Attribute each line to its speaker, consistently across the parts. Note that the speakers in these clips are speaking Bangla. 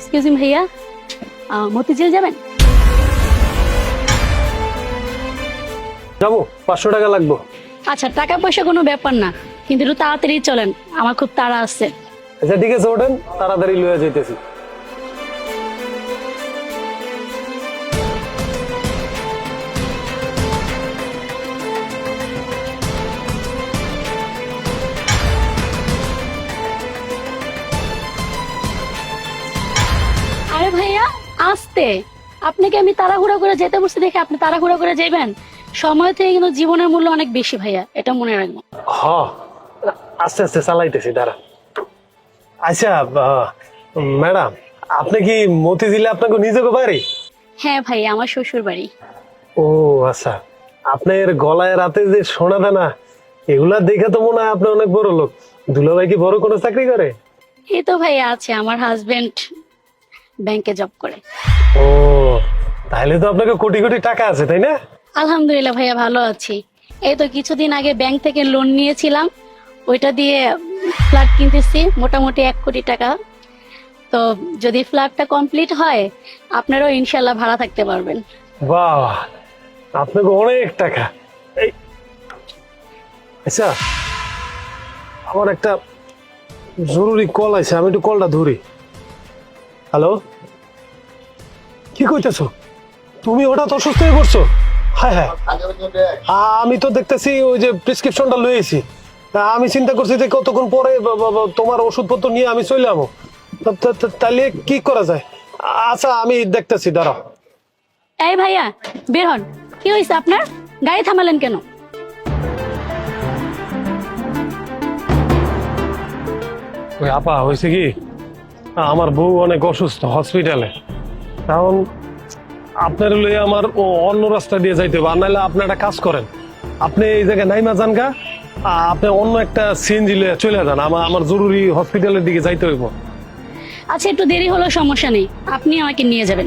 Speaker 1: এক্সকিউজ মি ভাইয়া, মতিঝিল যাবেন?
Speaker 2: যাবো, 500 টাকা লাগবে।
Speaker 1: আচ্ছা, টাকা পয়সা কোনো ব্যাপার না, কিন্তু একটু তাড়াতাড়ি চলেন, আমার খুব তাড়া আছে।
Speaker 2: আচ্ছা ঠিক আছে, ওঠেন, তাড়াতাড়ি লয়ে যাইতেছি।
Speaker 1: আরে ভাইয়া আসতে, আপনাকে আমি তাড়াহুড়া করে যেতে বলছি দেখে আপনি তাড়াহুড়া করে যাবেন? সময় থেকে কিন্তু জীবনের মূল্য অনেক বেশি ভাইয়া, এটা মনে রাখবেন।
Speaker 2: হ, আস্তে আস্তে চালাইতেছি, দাঁড়া। আচ্ছা ম্যাডাম, আপনি কি মতিঝিলে আপনাকে নিজেকে বাড়ি?
Speaker 1: হ্যাঁ ভাই, আমার শ্বশুর বাড়ি।
Speaker 2: ও আচ্ছা, আপনার গলায় রাতে যে সোনা দানা, এগুলা দেখে তো মনে হয় আপনি অনেক বড় লোক। দুলাভাই কি বড় কোনো চাকরি করে?
Speaker 1: এই তো ভাইয়া আছে, আমার হাজবেন্ড ব্যাংকে জব করে।
Speaker 2: ও, তাহলে তো আপনাকে কোটি কোটি টাকা আছে, তাই না?
Speaker 1: আলহামদুলিল্লাহ ভাইয়া, ভালো আছি। এই তো কিছুদিন আগে ব্যাংক থেকে লোন নিয়েছিলাম, ওইটা দিয়ে ফ্ল্যাট কিনতেছি, মোটামুটি 1 কোটি টাকা। তো যদি ফ্ল্যাটটা কমপ্লিট হয়, আপনারাও ইনশাল্লাহ ভাড়া থাকতে পারবেন।
Speaker 2: বাহ, আপনাকে অনেক টাকা। এই আচ্ছা, আমার একটা জরুরি কল আছে, আমি একটু কলটা ধরি। হ্যালো, কি কইতেছো? তুমি হঠাৎ অসুস্থ হয়ে পড়ছো? হ্যাঁ হ্যাঁ, আমি তো দেখতেছি ওই যে প্রেসক্রিপশনটা লয়েছি। তা আমি চিন্তা করছি যে কতক্ষণ পরে তোমার ওষুধপত্র নিয়ে আমি চলে যাবো। তাহলে কি করা যায়? আচ্ছা আমি দেখতেছি, দাঁড়াও।
Speaker 1: এই ভাইয়া বের হন, কি হয়েছে আপনার? গাড়ি থামালেন কেন?
Speaker 2: ওই আপা, হয়েছে কি, আমার বউ অনেক অসুস্থ, হসপিটালে। কারণ আপনার লইয়া আমার অন্য রাস্তা দিয়ে যাইতে হবে। আর নাহলে আপনি একটা কাজ করেন, আপনি এই জায়গায় নাইমা যান গা, আপনি অন্য একটা সিএনজি লইয়া চলে যান। আমার জরুরি হসপিটালের দিকে যাইতে হইব।
Speaker 1: আচ্ছা একটু দেরি হলো, সমস্যা নেই, আপনি আমাকে নিয়ে যাবেন।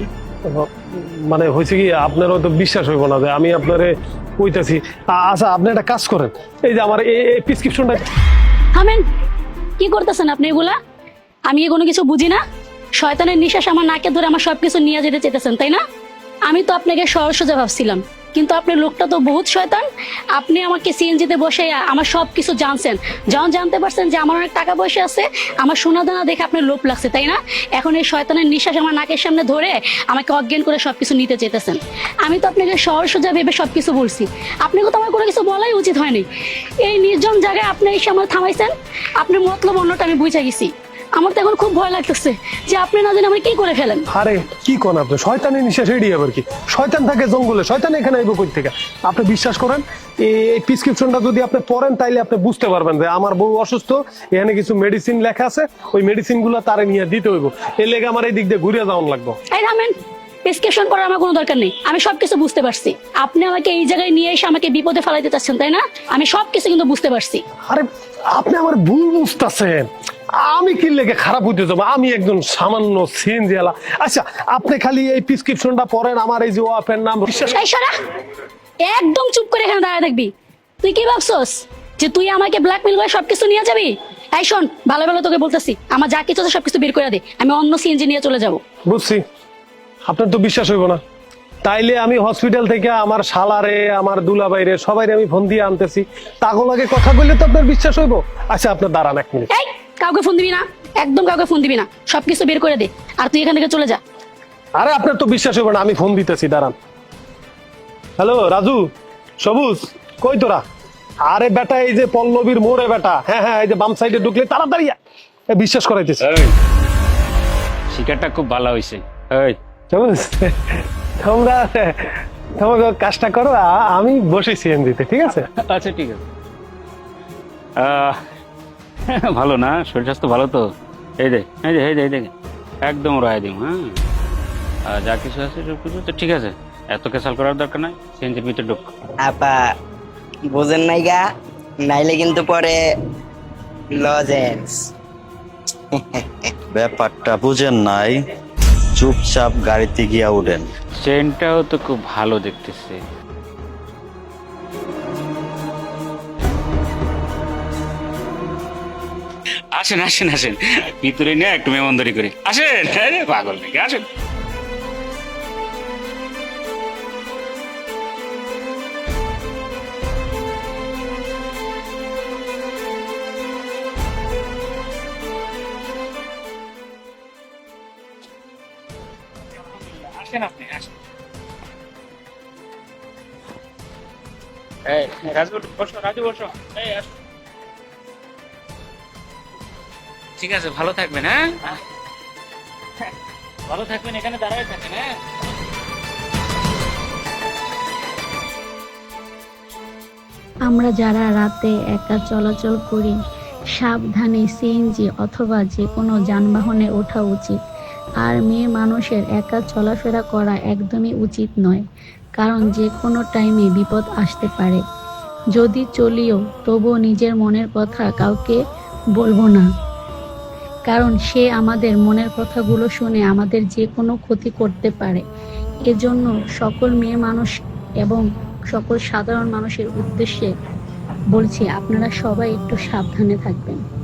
Speaker 2: মানে হয়েছে কি, আপনার হয়তো বিশ্বাস হইব না যে আমি আপনারে কইতাছি। আচ্ছা আপনি একটা কাজ করেন, এই যে আমার এই প্রেসক্রিপশনটা।
Speaker 1: থামেন, কি করতেছেন আপনি এগুলা? আমি কি কোনো কিছু বুঝি না? শয়তানের নিঃশ্বাস আমার নাকে ধরে আমার সবকিছু নিয়ে যেতে চেতেছেন, তাই না? আমি তো আপনাকে সহজ সোজা ভাবছিলাম, কিন্তু আপনার লোকটা তো বহুত শয়তান। আপনি আমাকে সিএনজিতে বসে আমার সবকিছু জানছেন, যখন জানতে পারছেন যে আমার অনেক টাকা পয়সা আছে, আমার সোনা দানা দেখে আপনার লোভ লাগছে, তাই না? এখন এই শয়তানের নিঃশ্বাস আমার নাকের সামনে ধরে আমাকে অজ্ঞান করে সবকিছু নিতে চেতেছেন। আমি তো আপনাকে সহজ সোজা ভেবে সবকিছু বলছি, আপনাকে তো আমার কোনো কিছু বলাই উচিত হয়নি। এই নির্জন জায়গায় আপনি এই সময় থামাইছেন, আপনার মতলব অন্যটা আমি বুঝে গেছি। আমার তো এখন খুব ভয় লাগতেছে যে আপনি না জানি আমার কি করে ফেলেন।
Speaker 2: আরে কি কোন আপনি, শয়তানের নিঃশ্বাস এড়ি আবার কি? শয়তান থাকে জঙ্গলে, শয়তান এখানে আইব কই থেকে? আপনি বিশ্বাস করেন, এই প্রেসক্রিপশনটা যদি আপনি পড়েন তাইলে আপনি বুঝতে পারবেন যে আমার বউ অসুস্থ, এখানে কিছু মেডিসিন লেখা আছে, ওই মেডিসিন গুলো তারে নিয়ে দিতে হইব। এর লেগে আমার এই দিক দিয়ে ঘুরে যাওয়ান লাগবে।
Speaker 1: এই থামেন, প্রেসক্রিপশন করার আমার কোনো দরকার নেই, আমি সবকিছু বুঝতে পারছি। আপনি আমাকে এই জায়গায় নিয়ে এসে আমাকে বিপদে ফেলাইতে চাচ্ছেন, তাই না? আমি সবকিছু কিন্তু বুঝতে পারছি।
Speaker 2: আরে আপনি আমার ভুল বুঝতেছেন, আমি কি লেগে খারাপ হইতে যাবো? আমি একজন সামান্য সিএনজি আলা। আচ্ছা আপনি খালি এই প্রেসক্রিপশনটা পড়েন, আমার এই যে ওয়াফের নাম বিশ্বাস।
Speaker 1: এই সরা, একদম চুপ করে এখানে দাঁড়ায় থাকবি। তুই কি ভাবছস যে তুই আমাকে ব্ল্যাকমেল করে সবকিছু নিয়ে যাবি? এই শোন, ভালো ভালো তোকে বলতেছি, আমার যা কিছু আছে সবকিছু বের করে দে, আমি অন্য সিএনজি নিয়ে চলে যাব।
Speaker 2: বুঝছি, আপনার তো বিশ্বাস হইব না। তাইলে আমি হসপিটাল থেকে আমার শালারে, আমার দুলাভাইরে, সবাইরে আমি ফোন দিয়ে আনতেছি, তাগো লাগে কথা বললে তো আপনার বিশ্বাস হইব। আচ্ছা আপনার দাঁড়ান 1 মিনিট।
Speaker 1: এই কাউকে ফোন দিবি না, একদম কাউকে ফোন দিবি না, সবকিছু বের করে দে, আর তুই এখান থেকে চলে যা।
Speaker 2: আরে আপনার তো বিশ্বাস হইব না, আমি ফোন দিতেছি, দাঁড়ান। হ্যালো রাজু, সবুজ, কই তোরা? আরে বেটা, এই যে পল্লবীর মোড়ে বেটা, হ্যাঁ হ্যাঁ, এই যে বাম সাইডে ঢুকলে তাড়াতাড়ি বিশ্বাস করাইতেছি।
Speaker 3: শিকারটা খুব ভালো হয়েছে। এই
Speaker 2: সবুজ, তোমরা তোমাকে কাজটা করো, আমি বসে সিএনজিতে, ঠিক আছে?
Speaker 3: আচ্ছা ঠিক আছে। ভালো না, শরীর স্বাস্থ্য ভালো তো? এই দে এই দে এই দে এই দেখে একদম রায় দিম। হ্যাঁ, আর যা কিছু আছে সব কিছু তো ঠিক আছে, এত কেসাল করার দরকার নাই। সিএনজির ভিতরে ঢুক।
Speaker 4: আপা বোঝেন নাই গা, নাইলে কিন্তু পরে লজেন্স।
Speaker 5: ব্যাপারটা বুঝেন নাই, চুপচাপ গাড়িতে গিয়া উঠেন।
Speaker 3: চেনটাও তো খুব ভালো দেখতেছে। আসেন আসেন আসেন, ভিতরে নিয়ে একটু মেমনদারি করে আসেন। আরে পাগল নাকি, আসেন। আসেন আপনি, আসেন। এই রাজু বসো, রাজু বসো, এই আসো। ঠিক আছে, ভালো থাকবেন। হ্যাঁ, ভালো থাকবেন, এখানে দাঁড়ায় থাকেন। হ্যাঁ,
Speaker 1: আমরা যারা রাতে একা চলাচল করি, সাবধানে সিএনজি অথবা যে কোনো যানবাহনে ওঠা উচিত। আর মেয়ে মানুষের একা চলাফেরা করা একদমই উচিত নয়, কারণ যে কোনো টাইমে বিপদ আসতে পারে। যদি চলিও, তবুও নিজের মনের কথা কাউকে বলবো না, কারণ সে আমাদের মনের কথাগুলো শুনে আমাদের যে কোনো ক্ষতি করতে পারে। এজন্য সকল মেয়ে মানুষ এবং সকল সাধারণ মানুষের উদ্দেশ্যে বলছি, আপনারা সবাই একটু সাবধানে থাকবেন।